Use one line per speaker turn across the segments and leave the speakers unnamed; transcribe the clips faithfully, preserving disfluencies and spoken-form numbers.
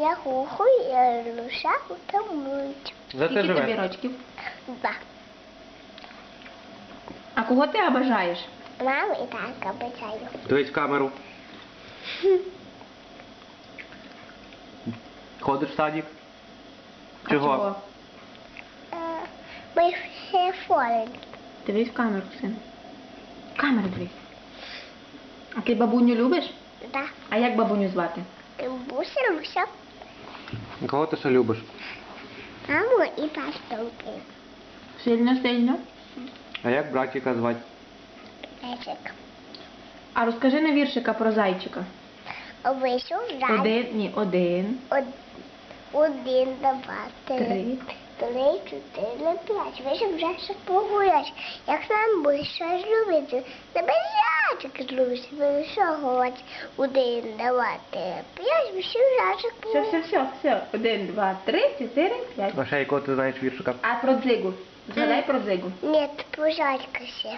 Я хухую, я лишаю та мить.
За це
Скільки тобі
живе.
рочків?
Да.
А кого ти обожаєш?
Маму і так обіцяю.
Дивись в камеру. Ходиш в садик?
А
Чого?
Е, Ми всі форені.
Дивись в камеру, син. В камеру дивись. А ти бабуню любиш?
Да.
А як бабуню звати?
Буся, Люся.
Кого ти ще любиш?
Маму і пастунки.
Сильно-сильно.
А як братика звати?
Лесик.
А розкажи на віршика про зайчика.
Вийшов рай.
Один, ні, один,
Од- Один, два, три.
три.
Три, чотири, п'ять. Вийшов вже погулять. Як нам більше любити. Тебе зайчик любить. Ви що говорить? Один, два, три, п'ять. Вийшов зайчик
Все, все,
погулять.
все, все. Один, два, три, чотири, п'ять.
А ще якого ти знаєш віршика?
А про дзигу? Згадай про дзигу.
Ні, пожалька ще.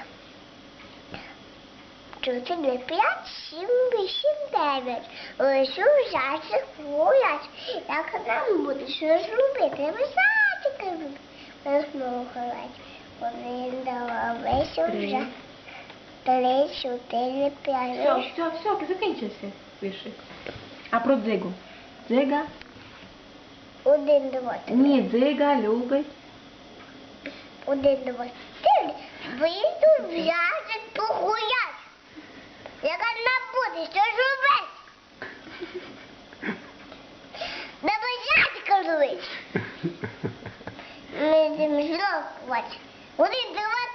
Чотири, п'ять, сім, вісім, дев'ять. Вийшов зайчик погулять. Як нам буде що ж робити? Ви зайчика любить. Ми знову говорить. Один, два, вийшов
Три.
вже. Три, чотири, п'ять.
Все, все, все, закінчився віршик. А про дзигу? Дзига?
Один, два, три.
Ні, дзига любить.
Один, два, три. Вийду в зайчик погулять. Як нам буде що ж робити? Треба зайчика любить. Ми йдемо знову. Один, два,